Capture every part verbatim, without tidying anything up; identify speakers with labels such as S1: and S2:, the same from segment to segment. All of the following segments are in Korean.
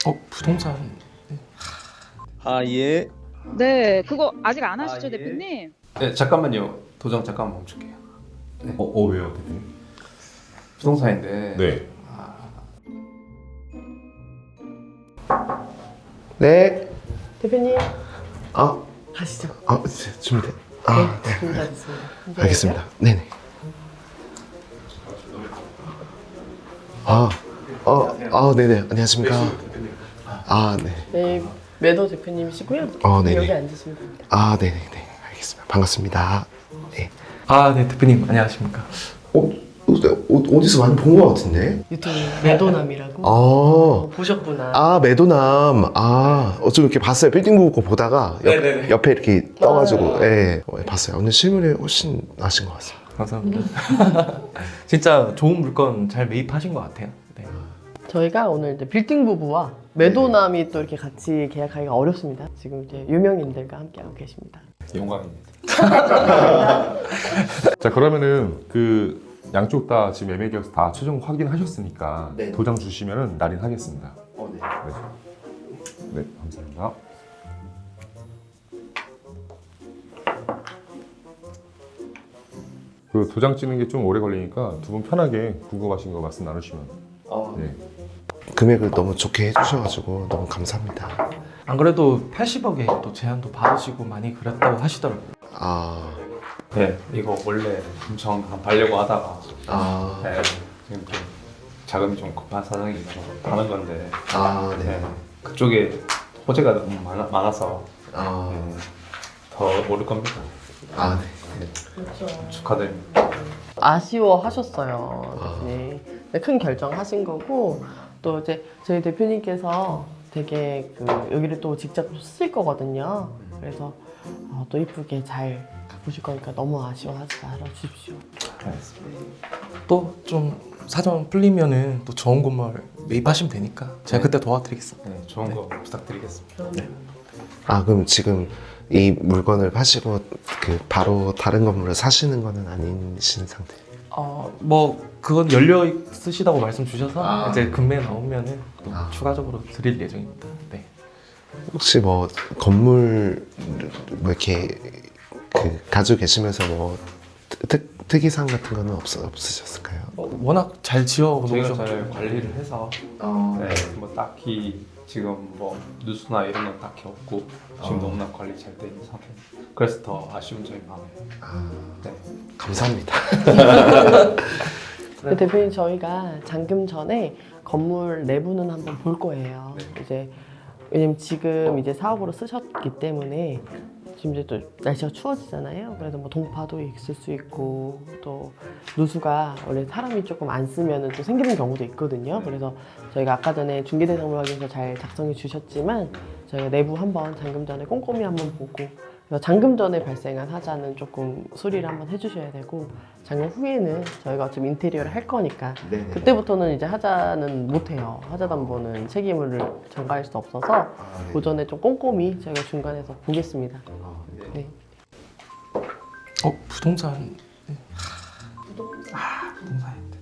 S1: 어, 부동산.
S2: 아, 예.
S3: 네, 그거 아직 안 하시죠,
S2: 아, 예.
S3: 대표님?
S1: 네, 잠깐만요. 도장 잠깐 멈출게요. 네.
S4: 어, 어 왜요, 대표님?
S1: 부동산인데.
S4: 네.
S5: 네.
S6: 대표님
S5: 아,
S6: 가시죠.
S5: 아, 네, 준비돼. 아,
S6: 네, 준비됐습니다.
S5: 알겠습니다. 네네. 아, 어, 아, 네네. 안녕하십니까. 아, 네.
S6: 네, 매도 대표님이시고요.
S5: 어, 네네.
S6: 여기 앉으시면 됩니다.
S5: 아, 네네네. 알겠습니다. 반갑습니다. 네.
S1: 아, 네, 대표님 안녕하십니까?
S5: 어, 어, 어디서 많이 본 것 같은데?
S6: 유튜브 매도남이라고
S5: 아,
S6: 어, 보셨구나.
S5: 아, 매도남. 아, 어쩜 이렇게 봤어요. 빌딩 보고 보다가 옆,
S1: 네네네.
S5: 옆에 이렇게 떠가지고,
S6: 아.
S5: 예, 네, 봤어요. 오늘 실물이 훨씬 나신 것 같습니다.
S1: 감사합니다. 진짜 좋은 물건 잘 매입하신 것 같아요. 네.
S6: 저희가 오늘 이제 빌딩 부부와 매도남이 또 이렇게 같이 계약하기가 어렵습니다. 지금 이제 유명인들과 함께하고 계십니다.
S1: 영광입니다.
S4: 자, 그러면은 그 양쪽 다 지금 매매 계약서 다 최종 확인하셨으니까
S5: 네.
S4: 도장 주시면은 날인하겠습니다.
S5: 어, 네.
S4: 네. 네, 감사합니다. 그 도장 찍는 게 좀 오래 걸리니까 두 분 편하게 궁금하신 거 말씀 나누시면.
S5: 어,
S4: 네.
S5: 금액을 너무 좋게 해주셔가지고 너무 감사합니다.
S1: 안 그래도 팔십억에 또 제안도 받으시고 많이 그랬다고 하시더라고요.
S5: 아,
S7: 네, 이거 원래 엄청 한 받려고 하다가
S5: 아,
S7: 네, 지금 좀 자금이 좀 급한 사정이 있어서 하는 건데
S5: 아,
S7: 네,
S5: 네.
S7: 그쪽에 호재가 너무 많아, 많아서
S5: 아,
S7: 네, 더 오를 겁니다.
S5: 아, 네.
S7: 축하드립니다.
S6: 아쉬워하셨어요.
S5: 아.
S6: 네. 네, 큰 결정하신 거고 또 이제 저희 대표님께서 되게 그 여기를 또 직접 쓰실 거거든요. 그래서 어, 또 이쁘게 잘 보실 거니까 너무 아쉬워하지 말아 주십시오.
S1: 또 좀 사정 풀리면은 또 좋은 건물 매입하시면 되니까 제가
S7: 네.
S1: 그때 도와드리겠습니다.
S7: 네, 좋은 거 부탁드리겠습니다.
S5: 아, 그럼 지금 이 물건을 파시고 그 바로 다른 건물을 사시는 거는 아니신 상태?
S1: 어, 뭐 그건 열려 있으시다고 말씀 주셔서
S5: 아.
S1: 이제 금매 나오면은 또
S5: 아.
S1: 추가적으로 드릴 예정입니다. 네.
S5: 혹시 뭐 건물 뭐 이렇게 그 가지고 계시면서 뭐 특, 특이사항 같은 거는 없, 없으셨을까요?
S1: 어, 워낙 잘 지어
S7: 저희가
S1: 놓으셔서
S7: 잘 관리를 해서
S5: 어,
S7: 네, 뭐 딱히 지금 뭐 누수나 이런 건 딱히 없고 지금
S5: 어.
S7: 너무나 관리 잘 돼 있는 상태입니다. 그래서 더 아쉬운 점이 많아요.
S5: 아,
S7: 네.
S5: 감사합니다.
S6: 근데 대표님 저희가 잔금 전에 건물 내부는 한번 볼 거예요.
S7: 네.
S6: 이제 왜냐면 지금 이제 사업으로 쓰셨기 때문에 지금 이제 또 날씨가 추워지잖아요. 그래서 뭐 동파도 있을 수 있고 또 누수가 원래 사람이 조금 안 쓰면은 또 생기는 경우도 있거든요. 그래서 저희가 아까 전에 중개대상물 확인서 잘 작성해 주셨지만 저희가 내부 한번 잔금 전에 꼼꼼히 한번 보고 그래서 잔금 전에 발생한 하자는 조금 수리를 한번 해주셔야 되고 잔금 후에는 저희가 어차피 인테리어를 할 거니까
S5: 네네.
S6: 그때부터는 이제 하자는 못해요. 하자 담보는 책임을 전가할 수 없어서
S5: 아, 네.
S6: 그 전에 좀 꼼꼼히 저희가 중간에서 보겠습니다.
S5: 아, 네.
S6: 네.
S1: 어, 부동산. 네. 아, 부동산인데.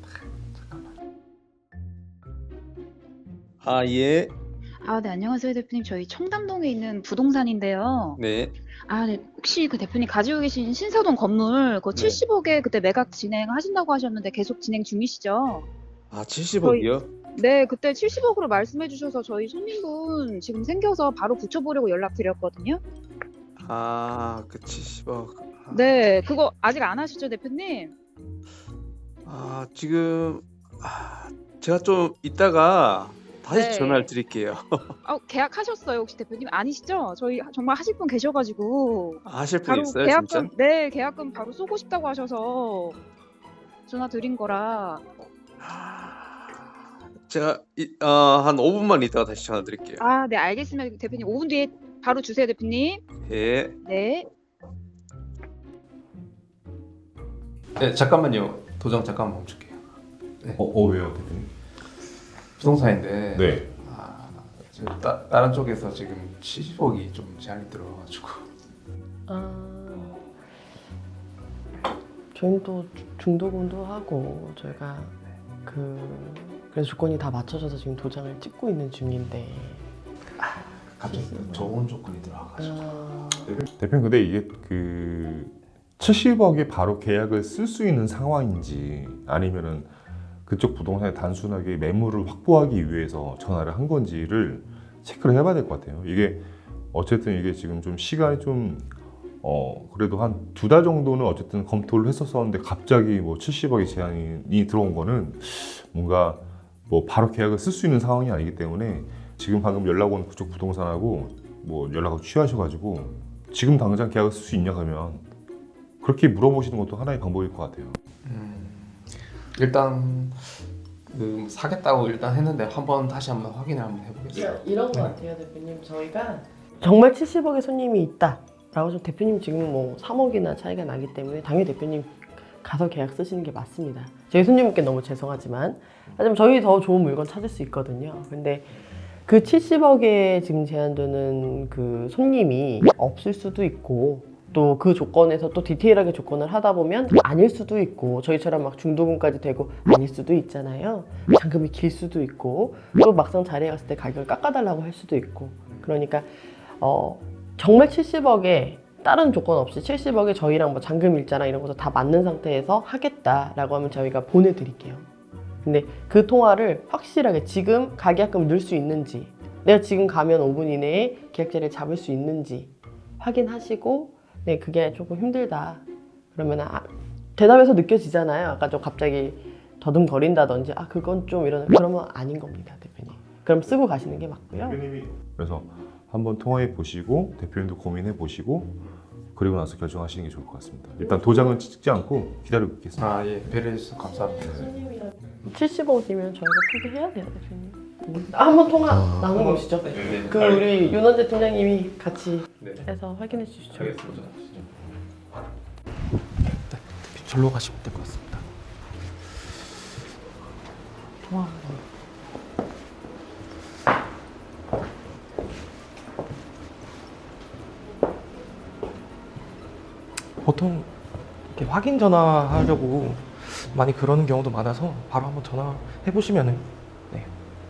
S2: 아, 예.
S3: 아, 네, 안녕하세요, 대표님. 저희 청담동에 있는 부동산인데요.
S2: 네.
S3: 아, 네, 혹시 그 대표님 가지고 계신 신사동 건물 그
S2: 네.
S3: 칠십억에 그때 매각 진행하신다고 하셨는데 계속 진행 중이시죠?
S2: 아, 칠십억이요?
S3: 네, 그때 칠십억으로 말씀해 주셔서 저희 손님분 지금 생겨서 바로 붙여보려고 연락드렸거든요.
S2: 아, 그 칠십억. 아,
S3: 네, 그거 아직 안 하시죠, 대표님?
S2: 아, 지금 아, 제가 좀 이따가 다시
S3: 네.
S2: 전화를 드릴게요.
S3: 아, 계약하셨어요, 혹시 대표님? 아니시죠? 저희 정말 하실 분 계셔가지고
S2: 하실 분
S3: 바로
S2: 있어요,
S3: 계약금,
S2: 진짜?
S3: 네, 계약금 바로 쏘고 싶다고 하셔서 전화 드린 거라.
S2: 제가 이, 어, 한 오 분만 있다가 다시 전화 드릴게요.
S3: 아, 네, 알겠습니다, 대표님. 오 분 뒤에 바로 주세요, 대표님.
S2: 예.
S3: 네.
S7: 네, 잠깐만요. 도장 잠깐 멈출게요.
S4: 어, 어 왜요, 대표님?
S7: 부동산인데
S4: 네.
S7: 아, 지금 따, 다른 쪽에서 지금 칠십억이 좀 제한이 들어가지고
S6: 아, 저희는 또 중도금도 하고 저희가 그 그래서 조건이 다 맞춰져서 지금 도장을 찍고 있는 중인데.
S7: 갑자기 좋은 조건이 들어와가지고
S6: 아,
S4: 대표님 근데 이게 그 칠십억에 바로 계약을 쓸 수 있는 상황인지 아니면은 그쪽 부동산에 단순하게 매물을 확보하기 위해서 전화를 한 건지를 체크를 해봐야 될 것 같아요. 이게 어쨌든 이게 지금 좀 시간이 좀 어 그래도 한 두 달 정도는 어쨌든 검토를 했었었는데 갑자기 뭐 칠십억의 제한이 들어온 거는 뭔가 뭐 바로 계약을 쓸 수 있는 상황이 아니기 때문에 지금 방금 연락 온 그쪽 부동산하고 뭐 연락을 취하셔가지고 지금 당장 계약을 쓸 수 있냐 하면 그렇게 물어보시는 것도 하나의 방법일 것 같아요.
S7: 음, 일단 그 사겠다고 일단 했는데 한번 다시 한번 확인을 한번 해보겠습니다.
S6: 이런 거 같아요, 대표님. 저희가 정말 칠십억의 손님이 있다라고 좀 대표님 지금 뭐 삼억이나 차이가 나기 때문에 당연히 대표님 가서 계약 쓰시는 게 맞습니다. 저희 손님께 너무 죄송하지만 하지만 저희 더 좋은 물건 찾을 수 있거든요. 근데 그 칠십억에 지금 제한되는 그 손님이 없을 수도 있고 또 그 조건에서 또 디테일하게 조건을 하다 보면 아닐 수도 있고 저희처럼 막 중도금까지 되고 아닐 수도 있잖아요. 잔금이 길 수도 있고 또 막상 자리에 갔을 때 가격을 깎아달라고 할 수도 있고 그러니까 어 정말 칠십억에 다른 조건 없이 칠십억에 저희랑 뭐 잔금 일자랑 이런 것도 다 맞는 상태에서 하겠다라고 하면 저희가 보내드릴게요. 근데 그 통화를 확실하게 지금 가계약금 넣을 수 있는지 내가 지금 가면 오 분 이내에 계약자를 잡을 수 있는지 확인하시고 네 그게 조금 힘들다 그러면 아, 대답에서 느껴지잖아요. 아까 좀 갑자기 더듬거린다든지 아 그건 좀 이러는 그러면 아닌 겁니다, 대표님. 그럼 쓰고 가시는 게 맞고요.
S4: 대표님이 그래서 한번 통화해 보시고 대표님도 고민해 보시고 그리고 나서 결정하시는 게 좋을 것 같습니다. 일단 도장은 찍지 않고 기다리고 있겠습니다.
S7: 아 예, 배려해 주셔서 감사합니다.
S6: 칠십억이면 저희가 포기해야 돼요, 대표님. 아, 한번 통화
S7: 어.
S6: 나눠보시죠.
S7: 네,
S6: 그 우리 윤원재 팀장님이 같이
S7: 네.
S6: 해서 확인해 주시죠.
S7: 알겠습니다.
S1: 절로 가시면 될 것 같습니다.
S6: 와.
S1: 보통 이렇게 확인 전화하려고 많이 그러는 경우도 많아서 바로 한번 전화해 보시면은 네.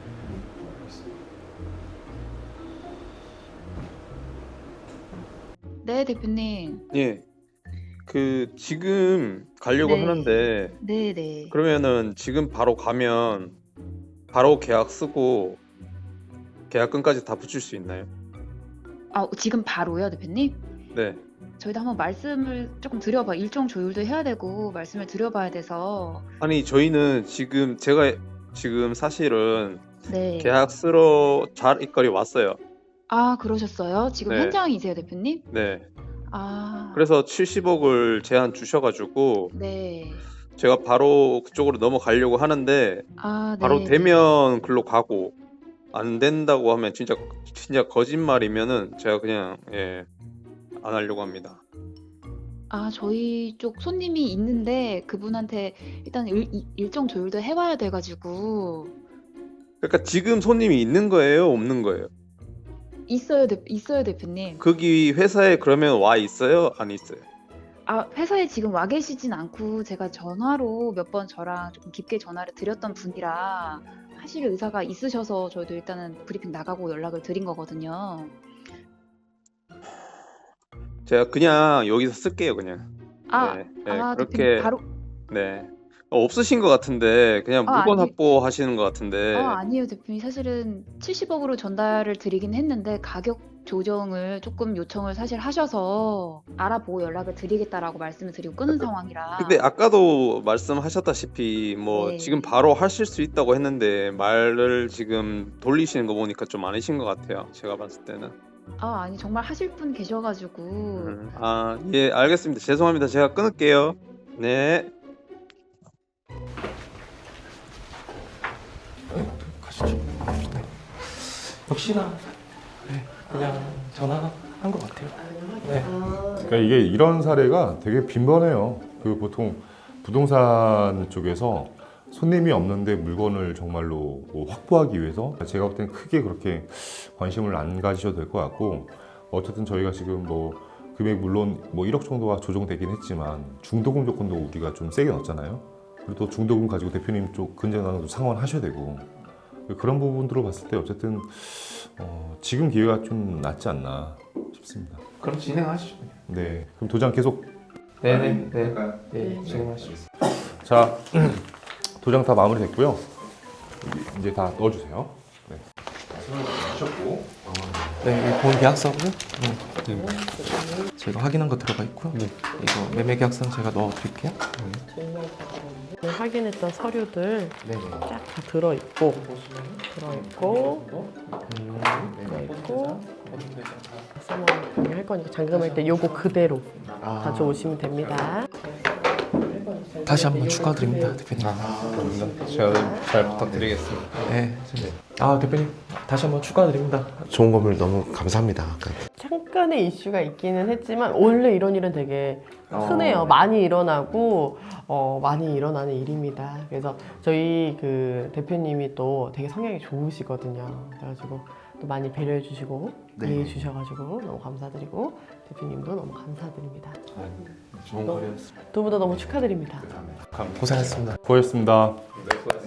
S3: 네, 대표님.
S2: 예. 그 지금 가려고
S3: 네.
S2: 하는데
S3: 네, 네.
S2: 그러면은 지금 바로 가면 바로 계약 쓰고 계약금까지 다 붙일 수 있나요?
S3: 아, 지금 바로요, 대표님?
S2: 네.
S3: 저희도 한번 말씀을 조금 드려봐. 일정 조율도 해야 되고 말씀을 드려봐야 돼서.
S2: 아니 저희는 지금 제가 지금 사실은
S3: 네.
S2: 계약 쓰러 자리까지 왔어요.
S3: 아, 그러셨어요? 지금
S2: 네.
S3: 현장이세요, 대표님?
S2: 네.
S3: 아,
S2: 그래서 칠십억을 제한 주셔가지고
S3: 네.
S2: 제가 바로 그쪽으로 넘어가려고 하는데
S3: 아, 네.
S2: 바로
S3: 네.
S2: 되면 글로 가고 안 된다고 하면 진짜 진짜 거짓말이면은 제가 그냥 예, 안 하려고 합니다.
S3: 아, 저희 쪽 손님이 있는데 그분한테 일단 일, 이- 일정 조율도 해봐야 돼가지고
S2: 그러니까 지금 손님이 있는 거예요, 없는 거예요?
S3: 있어요, 대, 있어요, 대표님.
S2: 거기 회사에 그러면 와 있어요, 안 있어요?
S3: 아, 회사에 지금 와 계시진 않고 제가 전화로 몇 번 저랑 조금 깊게 전화를 드렸던 분이라 하실 의사가 있으셔서 저희도 일단은 브리핑 나가고 연락을 드린 거거든요.
S2: 제가 그냥 여기서 쓸게요, 그냥.
S3: 아,
S2: 네, 네,
S3: 아,
S2: 그렇게
S3: 대표님 바로
S2: 네. 어, 없으신 것 같은데 그냥
S3: 아,
S2: 물건
S3: 아니-
S2: 확보하시는 것 같은데.
S3: 아, 아니에요, 대표님. 사실은 칠십억으로 전달을 드리긴 했는데 가격 조정을 조금 요청을 사실 하셔서 알아보고 연락을 드리겠다라고 말씀을 드리고 끊은 상황이라.
S2: 근데 아까도 말씀하셨다시피 뭐
S3: 네.
S2: 지금 바로 하실 수 있다고 했는데 말을 지금 돌리시는 거 보니까 좀 아니신 것 같아요. 제가 봤을 때는.
S3: 아, 아니 정말 하실 분 계셔가지고.
S2: 음, 아, 예, 알겠습니다. 죄송합니다. 제가 끊을게요. 네.
S1: 가시죠. 네. 역시나 네, 그냥 전화한 것 같아요. 네.
S4: 그러니까 이게 이런 사례가 되게 빈번해요. 그 보통 부동산 쪽에서 손님이 없는데 물건을 정말로 뭐 확보하기 위해서 제가 볼 땐 크게 그렇게 관심을 안 가지셔도 될 것 같고 어쨌든 저희가 지금 뭐 금액 물론 뭐 일억 정도가 조정되긴 했지만 중도금 조건도 우리가 좀 세게 넣었잖아요. 그리고 또 중도금 가지고 대표님 쪽 근저당도 상환하셔야 되고 그런 부분들로 봤을 때 어쨌든 어, 지금 기회가 좀 낫지 않나 싶습니다.
S7: 그럼 진행하시죠.
S4: 네, 그럼 도장 계속
S7: 네네 네. 네 진행하시죠.
S4: 자 도장 다 마무리됐고요. 이제 다 넣어주세요. 네. 손을 주셨고
S1: 네, 이 본 계약서고요. 네. 제가 확인한 거 들어가 있고요.
S7: 네.
S1: 이거 매매 계약서는 제가 넣어드릴게요.
S6: 오늘 확인했던 서류들
S7: 네.
S6: 쫙 다 들어있고 들어있고 들어있고 써머니 할 거니까 잔금할 때 요거 그대로 가져오시면 됩니다.
S1: 다시 한번 축하드립니다, 대표님.
S7: 감사합니다. 제가 잘 부탁드리겠습니다.
S1: 네. 아, 대표님 다시 한번 축하드립니다.
S5: 좋은 건물 너무 감사합니다. 아까
S6: 잠깐의 이슈가 있기는 했지만 원래 이런 일은 되게 흔해요. 많이 일어나고 어, 많이 일어나는 일입니다. 그래서 저희 그 대표님이 또 되게 성향이 좋으시거든요. 그래가지고 또 많이 배려해 주시고
S5: 네.
S6: 이해해 주셔가지고 너무 감사드리고 대표님도 너무 감사드립니다.
S7: 좋은 거리였습니다.
S6: 두 분 다 너무 축하드립니다.
S1: 고생하셨습니다.
S4: 수고하셨습니다.
S7: 네, 수고하셨습니다.